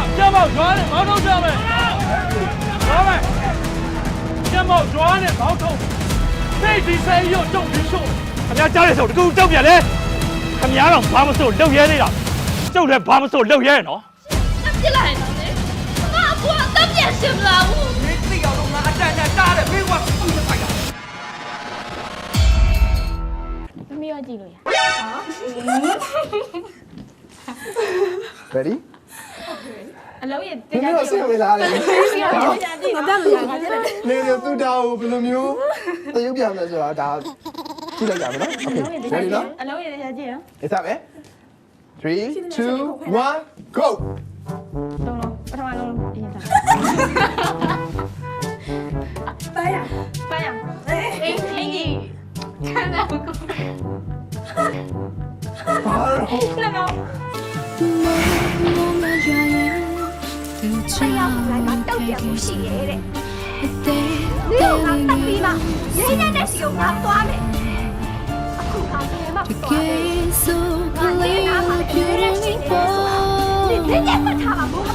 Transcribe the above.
肩膀抓的毛头下面，老板，肩膀抓的毛头，这比赛要重比重。他们家家里手的给我照片嘞，他们家让爸爸手留爷的了，就连爸爸手留爷喏。 那进来了呢？妈，我当面行了， 你这要弄那站扎的，没我不是快点。 မမကြည့်လို့ရ Ready အလုံးရနင်တို့ဆင်ဝင်လာတယ်ငါတက်လို့ရငါတက်တယ်နင်တို့သူ့တာကိုဘယ်လိုမျိုးတရုပ်ပြမယ်ဆိုတာဒါကြည့်လိုက်ကြမယ်နော် Okay ready နော်အလုံးရကြည့်ရ Is that it 3 2 1 go လုံးလုံးပထမလုံးအရင်စားပိုင်းရအေးကြီးခဏကိုဘာလို့လကော这样来个到点不是的，你有拿当兵吗？人家那是有拿花的，苦他爹嘛不花的，拿你拿嘛别人心里说，人家不他嘛不好